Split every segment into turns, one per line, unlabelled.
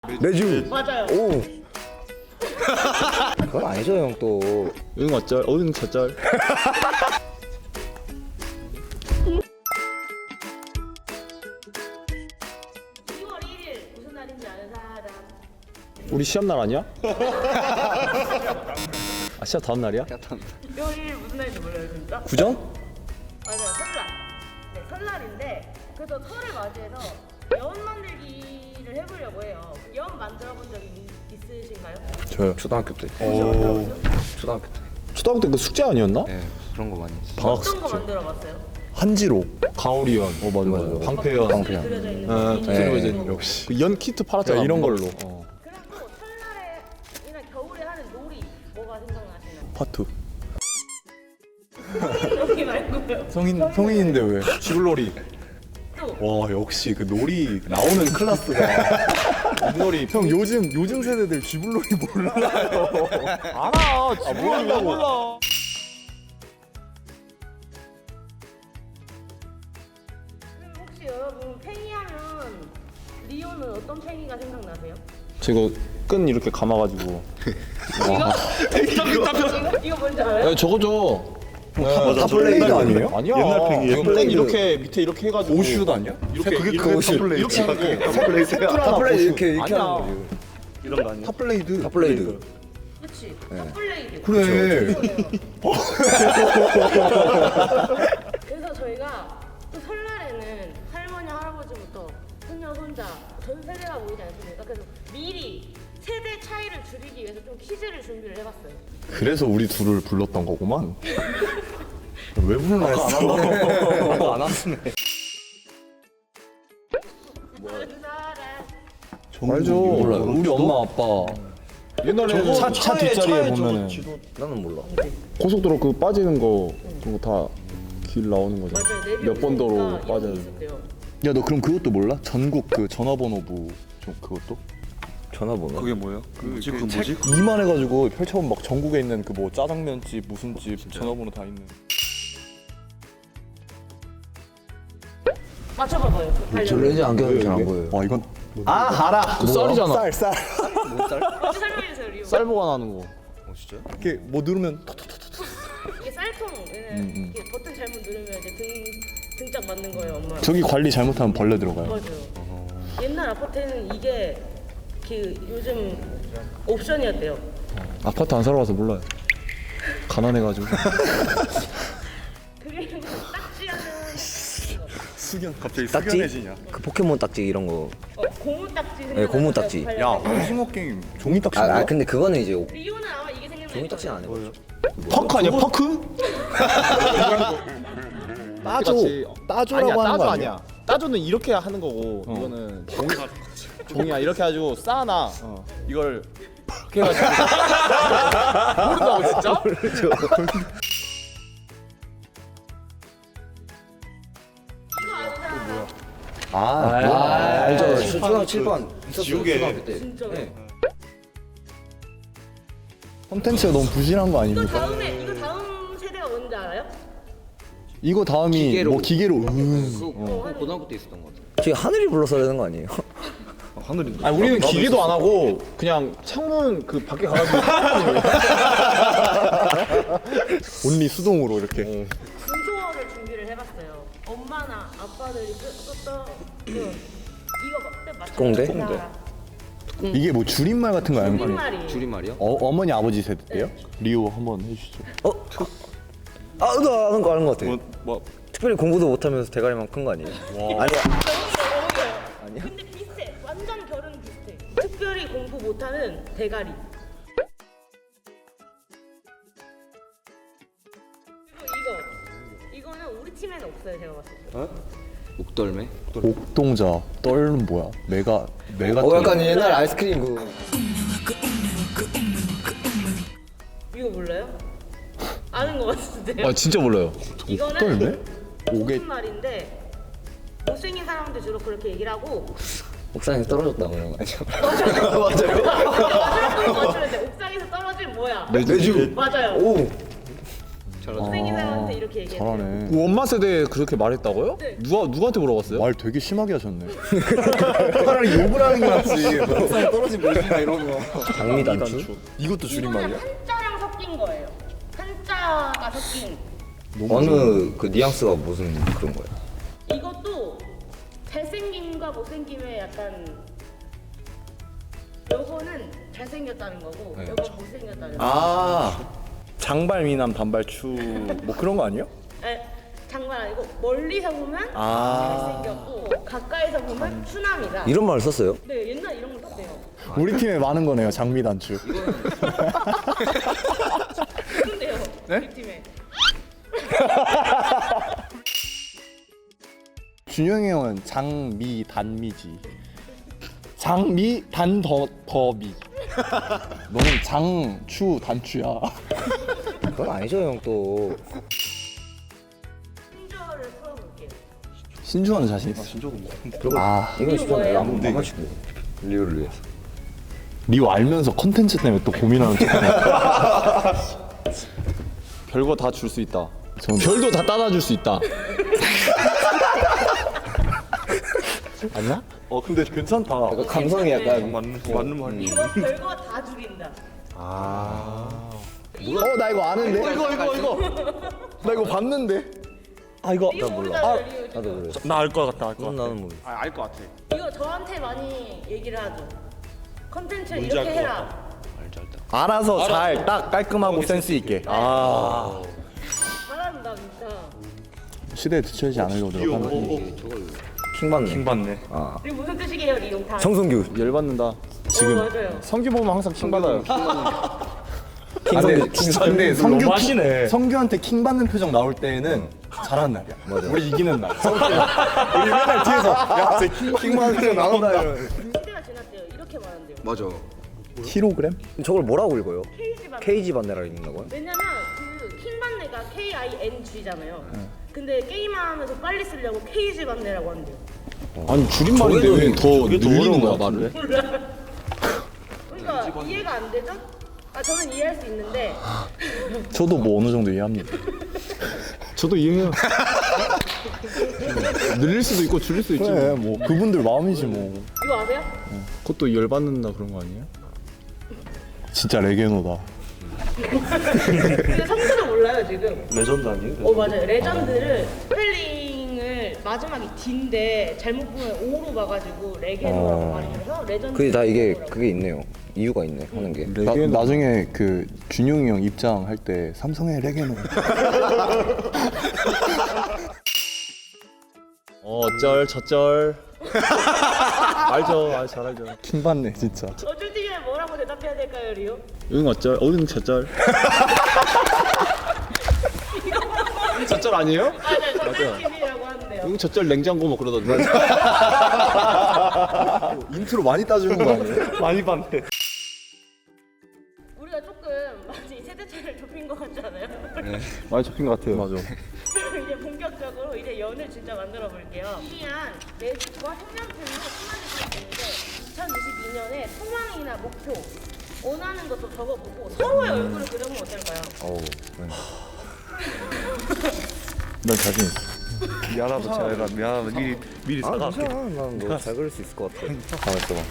매주.
맞아요.
오. 그건 아니죠 형 또.
응 어쩔? 응 저쩔?
2월 1일 무슨 날인지 아는 사람?
우리 시험 날 아니야? 아 시험 다음 날이야?
2월 1일 무슨 날인지 몰라요 진짜?
구정?
맞아요, 설날. 네, 설날인데 그래서 설을 맞이해서 연 만들기를 해보려고 해요. 연 만들어본 적이 있으신가요?
저요. 초등학교 때.
오.
초등학교 때.
초등학교 때 그 숙제 아니었나?
네 그런 거 많이 했어요.
방학
어떤 거
숙제.
만들어봤어요?
한지로, 가오리연,
맞아요.
방패연,
방패연.
그려져 있는
어,
거.
그리고 이제
네.
역시 그 연 키트 팔았잖아.
이런 걸로.
어.
그리고 설날에나 겨울에 하는 놀이 뭐가 생각나시나요?
파트.
놀이 말고요.
성인인데 왜? 쥐불놀이.
또
와 역시 그 놀이 나오는 클래스가 놀이.
형 요즘 세대들 쥐불놀이 몰라요.
알아. 쥐불놀이 몰라.
그럼 혹시 여러분 팽이하면 리오는 어떤 팽이가 생각나세요?
제가 끈 이렇게 감아가지고.
이거 뭔지 알아요?
야 저거죠.
탑블레이드 아니에요?
아니야.
옛날 팽이,
이거 끈
탑블레이드.
이렇게 밑에 이렇게 해가지고.
오슛 아니야?
이렇게
그게
이렇게
오슛.
이렇게 하는 거.
탑블레이드 이렇게
아니야.
하는 거지.
이런 거 아니야?
탑블레이드. 탑블레이드.
그치? 탑블레이드.
그래.
그래서 저희가 또 설날에는 할머니 할아버지부터 손녀 손자 전 세대가 모이지 않습니까? 그래서 미리 세대 차이를 줄이기 위해서 좀 퀴즈를 준비를 해봤어요.
그래서 우리 둘을 불렀던 거구만. 왜 불러?
아까 안 왔네.
다른 사람.
알죠.
몰라요.
우리 엄마 아빠. 옛날에 차 뒷자리에 보면은
나는 몰라.
고속도로 그 빠지는 거 그거 다 길 나오는 거죠.
맞아요. 내비
몇 번도로
오니까 이런 게
빠져요.
있었대요.
야 너 그럼 그것도 몰라? 전국 그 전화번호부 좀 그것도?
전화번호.
그게 뭐예요? 그 뭐지?
이만해가지고 펼쳐보면 막 전국에 있는 그 뭐 짜장면집 무슨 집 전화번호 다 있는.
맞춰봐봐요.
저 렌즈 안경이 잘 안 보여요.
와 이건
알아. 그 썰이잖아.
쌀.
먼저 설명해주세요, 리오.
쌀 보관하는 거.
이렇게 뭐 누르면
이게 쌀통. 이게 버튼 잘못 누르면 이제 등짝 맞는 거예요, 엄마.
저기 관리 잘못하면 벌레 들어가요.
맞아요. 옛날 아파트에는 이게 그 요즘 옵션이었대요.
아파트 안 살아봐서 몰라요. 가난해가지고.
그게 딱지하는
수견 갑자기
딱지?
수견해지냐?
그 포켓몬 딱지 이런 거.
고무 딱지.
네, 고무 딱지.
야 오징어 게임 종이 딱지.
아 근데 그거는 이제
리오는 아마 이게 생각날
종이 딱지는 안 해봤죠.
퍼크 아니야 퍼크?
따조. 따조라고
아니야
하는
따조
거
아니야. 따조는 이렇게 하는 거고 이거는 종이야 이렇게 해가지고 쌓아놔. 이걸 이렇게 해가지고 모른다고 진짜?
이거 아는 사람.
알죠. 초등학교 7반 있었어요.
지우개.
초등학교 때.
진짜로.
네.
콘텐츠가 너무 부실한 거
이거
아닙니까?
다음 세대가 뭔지 알아요?
이거 다음이
기계로.
뭐 기계로
고등학교 때 있었던 것 같아요. 저희 하늘이 불러서야 되는 거 아니에요?
하늘이.
아니 우리는 기계도 안 하고 그냥 창문 그 밖에 가가지고
온리 수동으로 이렇게.
문초어를 준비를 해봤어요. 엄마나 아빠들이 썼던 이거 맞죠?
꽁대?
이게 뭐 줄임말 같은 거 아닙니까?
줄임말이.
줄임말이요?
어머니 아버지 세대 때요? 리오 한번 해주시죠.
나 아는 거 같아.
뭐
특별히 공부도 못하면서 대가리만 큰 거 아니에요? 아니야.
아니야? 근데 비슷해. 완전 결은 비슷해. 특별히 공부 못하는 대가리. 그리고 이거는 우리 팀에는 없어요. 제가 봤을 때.
목덜매?
옥동자 떨은 뭐야? 메가
약간 옛날 아이스크림 그.
이거 몰라요? 아는 것 같은데요?
아 진짜 몰라요.
이거는
오개
무슨 말인데 못생긴 사람들 주로 그렇게 얘기를 하고
옥상에서 떨어졌다고 이런 거 아니야?
맞아요. 맞추면 돼. 옥상에서 떨어진 뭐야?
매주.
맞아요.
오.
못생긴 사람한테 이렇게 얘기해요.
잘하네.
원마 세대에 그렇게 말했다고요?
네.
누구한테 물어봤어요?
말 되게 심하게 하셨네. 차라리 욕을 하는 게 낫지. 막상 떨어진 모습이나 이런 거.
장미단추?
이것도 줄임말이야?
이거는 한자랑 섞인 거예요. 한자가 섞인.
어느 그 뉘앙스가 무슨 그런 거예요?
이것도 잘생김과 못생김의 약간 요거는 잘생겼다는 거고
네.
요건 못생겼다는 거.
아 장발 미남 단발 추 뭐 그런 거 아니에요?
네, 장난 아니고 멀리서 보면
아.
잘생겼고 가까이서 보면 추남이다.
이런 말을 썼어요?
네, 옛날 이런 거 썼대요.
우리 팀에 많은 거네요 장미 단추.
근데요, 우리 팀에.
준영이 형은 장미 단미지. 장미 단더미. 너는 장추 단추야.
그건 아니죠 형 또.
신조어를 풀어볼게요.
신주하는 자신 있어.
아 이건 진짜
뭐예요?
안 맞추고 리오를 위해서.
리오 알면서 컨텐츠 때문에 또 고민하는 척.
별거 다 줄 수 있다.
저는-
별도 다 따다 줄 수 있다.
아니야? 근데 괜찮다.
감성이 약간
맞는 말이.
이거 별거 다 죽인다.
나 이거 아는데? 이거. 나 이거 봤는데? 아 이거.
이거 모르잖아요, 리오.
나도 그래.
나 알 것 같다.
그건 나는 모르.
알 것 같아.
이거 저한테 많이 얘기를 하죠. 컨텐츠를 이렇게 해라.
알아서 잘 딱 깔끔하고 센스 있게. 아.
잘한다 진짜.
시대에 뒤처지지 않으려고 노력하는.
킹받네.
킹받네.
그리고 무슨 뜻이게요, 리용 다?
정성규.
열받는다.
지금
맞아요.
성규 보면 항상 킹 받아요.
근데 성규
너무하시네.
성규한테 킹 받는 표정 나올 때는 잘하는 날이야. 맞아. 우리 이기는 날. 우리 맨날 뒤에서 야쟤킹 받는 표정 나온다 이러면.
시대가 지났대요. 이렇게 말한대요.
맞아.
킬로그램?
저걸 뭐라고 읽어요?
케이지 반.
케이지 반네라 읽는다고요?
왜냐면 그 킹반네가 KING잖아요. 근데 게임하면서 빨리 쓰려고 케이지 반네라고 한대요.
아니 줄임말인데 왜 더 늘리는 거야 말을?
그러니까 이해가 안 되죠? 아 저는 이해할 수 있는데
저도 뭐 어느 정도 이해합니다.
저도 이해해요. 늘릴 수도 있고 줄일 수도 있지.
그래 뭐 그분들 마음이지 뭐.
이거 아세요?
그것도 열받는다 그런 거 아니에요?
진짜 레게노다.
근데 성수는 몰라요 지금.
레전드 아니에요?
맞아요. 레전드를 스펠링을 마지막이 D인데 잘못 보면 O로 봐가지고 레게노라고 말해서 레전드.
그게 다 이게 그게 있네요. 이유가 있네 하는 게.
나중에 그 준용이 형 입장할 때 삼성의 레게노.
어쩔 저쩔. 알죠, 잘 알죠.
킹 받네 진짜.
어쩔 때면 뭐라고 대답해야 될까요, 리오?
응 어쩔, 응 저쩔. 저쩔 아니에요?
네, 저쩔TV라고 하는데요.
응 저쩔 냉장고 뭐 그러던데.
인트로 많이 따주는 거 아니에요?
많이 봤네.
우리가 조금 많이 세대 차이를 좁힌 것 같지 않아요?
많이 접힌 것 같아요.
맞아.
그럼 이제 본격적으로 이제 연을 진짜 만들어 볼게요. 희한 매직과 색연필로 수많이 있는데 2022년에 소망이나 목표 원하는 것도 적어보고 서로의 얼굴을 그려보면 어떨까요?
어우.
난 자신 있어.
미안하다 잘해라. 미안하다. 미리
아
사과할게.
괜찮아. 난너잘 그릴 수 있을 것 같아. 가만 있어봐.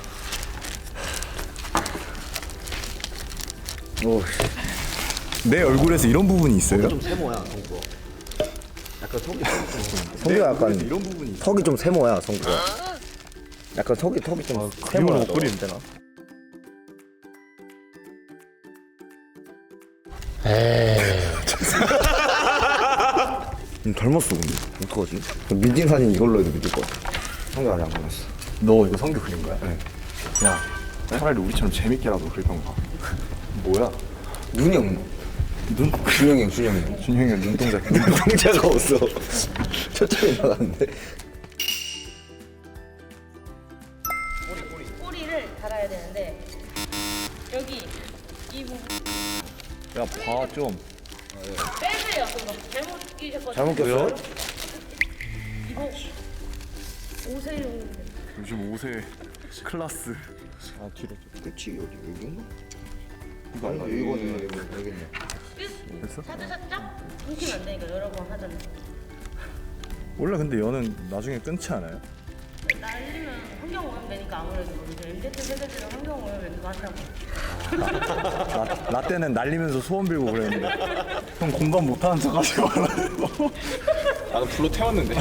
오.
내 얼굴에서 이런 부분이 있어요?
좀 세모야 성구. 약간 턱이 성구가 약간
이런 부분이 있어.
턱이 좀 세모야 성구가. 약간 턱이 좀 세모야.
못 그리면 되나?
닮았어 근데 어떡하지? 민진 사진 이걸로 해도 믿을 것 같아. 성구 아직 안 닮았어.
너 이거 성규 그린 거야? 네. 야 차라리 우리처럼 재밌게라도 그리던가. 뭐야?
눈이 없네. 눈? 준영이 형.
준영이 형 눈동자.
눈동자가 없어. 초점이 나갔는데.
꼬리를 달아야 되는데 여기 이 부분
야 봐 좀.
빼세요. 그거 잘못 끼셨거든요.
잘못 꼈어요?
이거 오세요.
요즘 5세 클라스.
아 뒤로.
끝이 어디 여기인가? 이거는 여기네.
끝. 찾으셨죠? 끊기면 안 되니까 여러 번 하잖아요.
원래 근데 연은 나중에 끊지 않아요?
날리면 환경 오염 되니까 아무래도 이제 MZ 세대들은 환경 오염을 많다고.
나 때는 날리면서 소원 빌고 그랬는데 형 공감 못하는 척 하지 말라고.
나는 불로 태웠는데.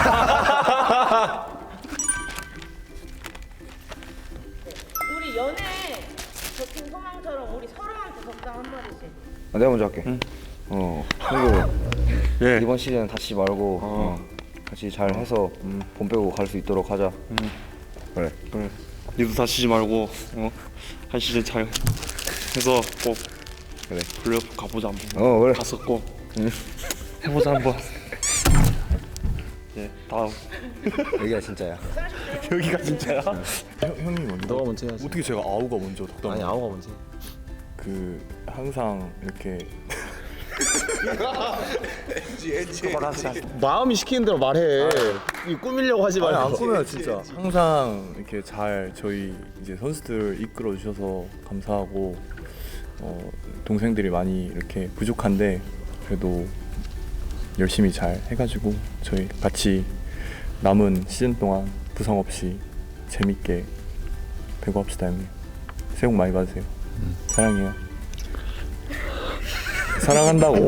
우리 연애에 적힌 소망처럼 우리 서로한테 적당 한 마디씩.
내가 먼저 할게. 형도
예.
이번 시즌 다치지 말고 같이 잘 해서 본 빼고 갈 수 있도록 하자. 그래.
그래. 니도 다치지 말고 한 시즌 잘 해서 꼭
그래.
플레이오프 가보자 한번.
그래.
가서 꼭 해보자 한번. 예. 다음.
여기가 진짜야.
여기가 진짜야? 형님 먼저.
너가 먼저 해야지.
어떻게 제가 아우가 먼저 덕담?
아니 아우가 먼저.
그 항상 이렇게
마음이 시키는 대로 말해. 이 꾸미려고 하지 말고.
안 꾸며요 진짜. 항상 이렇게 잘 저희 이제 선수들 이끌어 주셔서 감사하고 동생들이 많이 이렇게 부족한데 그래도 열심히 잘 해가지고 저희 같이 남은 시즌 동안 부상 없이 재밌게 배구합시다 형님. 새해 복 많이 받으세요. 사랑해요. 사랑한다고.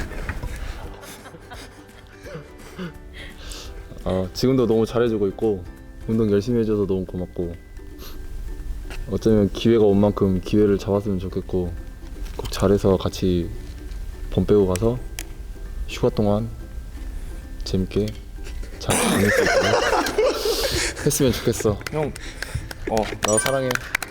지금도 너무 잘해주고 있고 운동 열심히 해줘서 너무 고맙고 어쩌면 기회가 온 만큼 기회를 잡았으면 좋겠고 꼭 잘해서 같이 봄 빼고 가서 휴가 동안 재밌게 잘 보낼 수 있도록 했으면 좋겠어.
형
나 사랑해.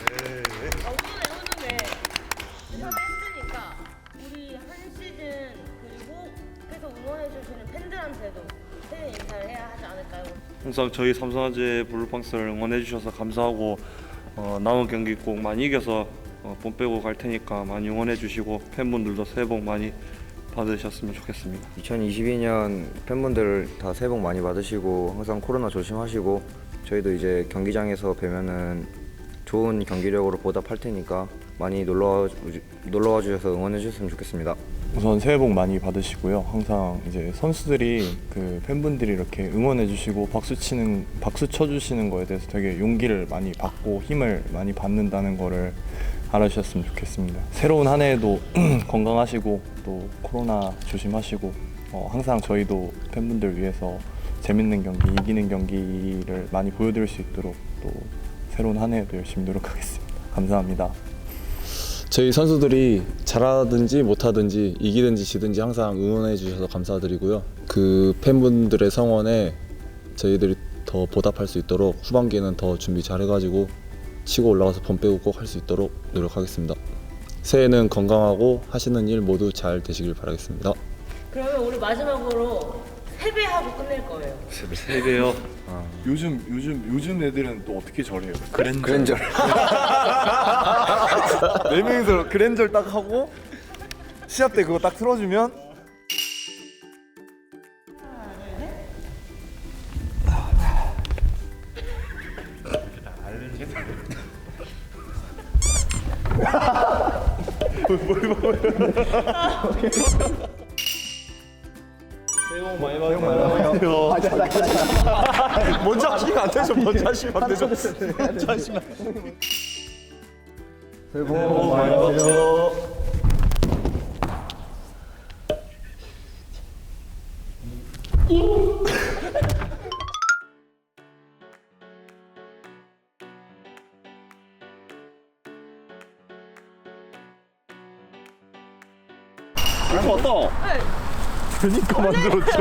오늘 했으니까 우리 한 시즌 그리고 계속 응원해주시는 팬들한테도 새해 인사를 해야 하지 않을까요?
항상 저희 삼성화재 블루팡스를 응원해주셔서 감사하고 남은 경기 꼭 많이 이겨서 본 빼고 갈 테니까 많이 응원해주시고 팬분들도 새해 복 많이 받으셨으면 좋겠습니다.
2022년 팬분들 다 새해 복 많이 받으시고 항상 코로나 조심하시고 저희도 이제 경기장에서 뵈면은 좋은 경기력으로 보답할 테니까 많이 놀러와 주셔서 응원해 주셨으면 좋겠습니다.
우선 새해 복 많이 받으시고요. 항상 이제 선수들이 그 팬분들이 이렇게 응원해 주시고 박수 쳐 주시는 거에 대해서 되게 용기를 많이 받고 힘을 많이 받는다는 거를 알아주셨으면 좋겠습니다. 새로운 한 해에도 건강하시고 또 코로나 조심하시고 항상 저희도 팬분들 위해서 재밌는 경기, 이기는 경기를 많이 보여드릴 수 있도록 또 새로운 한 해에도 열심히 노력하겠습니다. 감사합니다.
저희 선수들이 잘하든지 못하든지 이기든지 지든지 항상 응원해 주셔서 감사드리고요. 그 팬분들의 성원에 저희들이 더 보답할 수 있도록 후반기에는 더 준비 잘해가지고 치고 올라가서 번 빼고 꼭 할 수 있도록 노력하겠습니다. 새해는 건강하고 하시는 일 모두 잘 되시길 바라겠습니다.
그러면 우리 마지막으로 세배하고 끝낼 거예요.
세 배요.
요즘 애들은 또 어떻게 절해요?
그랜저.
네 명이서 그랜저를 딱 하고 시합 때 그거 딱 틀어주면
먼저 하시면 안 되죠. 먼저 하시면 안 되죠. 먼저 하시면.
새해 복 많이 받으세요.
왔다.
그러니까 만들었죠.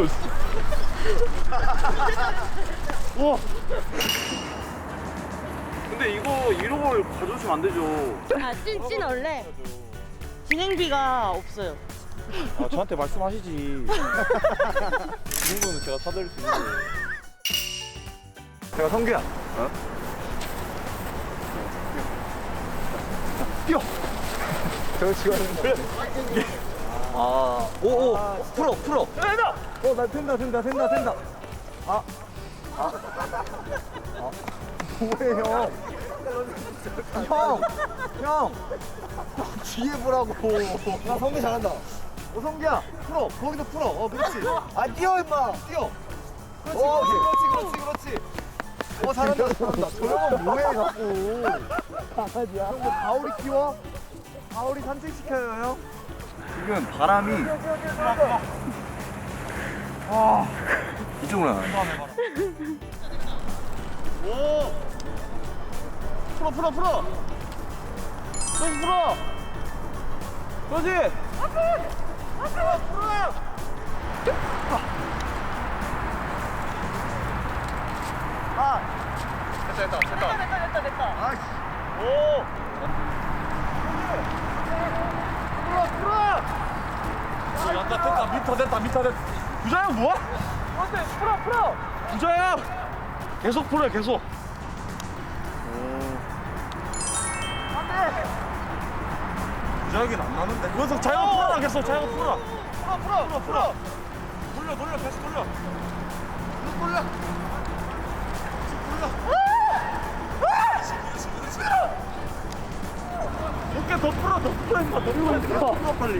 우와. 근데 이거 이런 걸 가져오시면 안 되죠.
아, 찐 원래 진행비가 없어요.
아, 저한테 말씀하시지. 이 정도는 제가 사드릴 수 있는데.
제가 성규야. 뛰어. 저거 지금
오오 풀어.
나 된다. 뭐해 형?
형! 뒤에 보라고. 야, 성기 잘한다. 성기야, 풀어. 거기도 풀어. 그렇지. 뛰어, 임마. 뛰어. 그렇지. 잘한다. 저 형은 뭐해, 자꾸. 강아지야. 형, 뭐 가오리 키워? 가오리 산책시켜요, 형? 지금 바람이. 이쪽으로 나가네. 오! 풀어! 그렇지, 풀어! 그렇지! 풀어! 됐다. 아이씨. 오! 풀어! 됐다. 부자야, 뭐야? 풀어! 부자야! 계속 풀어, 계속. 부자에겐 안 나는데. 그래서 자기가 풀어라, 계속. 자기가 풀어. 풀어. 돌려, 계속 돌려. 어깨 더 풀어, 임마. 더 풀어, 빨리.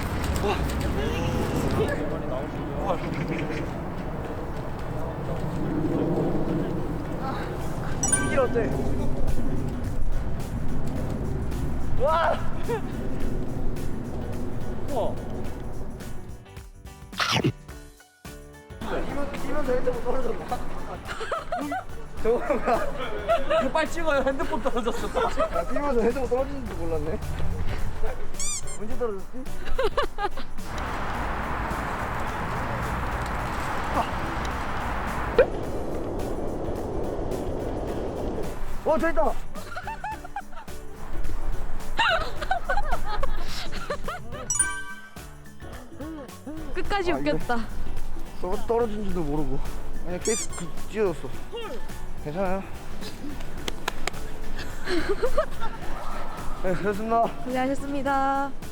길 어때? 와! 우와! 이면 될 때부터 떨어졌나? 저거가 이거 빨리 찍어요. 핸드폰 떨어졌어. 야, 뛰면서 핸드폰 떨어지는 줄 몰랐네. 언제 떨어졌지? 저기 있다.
끝까지 웃겼다.
떨어진 줄도 모르고 그냥 계속 찢어졌어. 괜찮아요? 네, 됐습니다.
고생하셨습니다.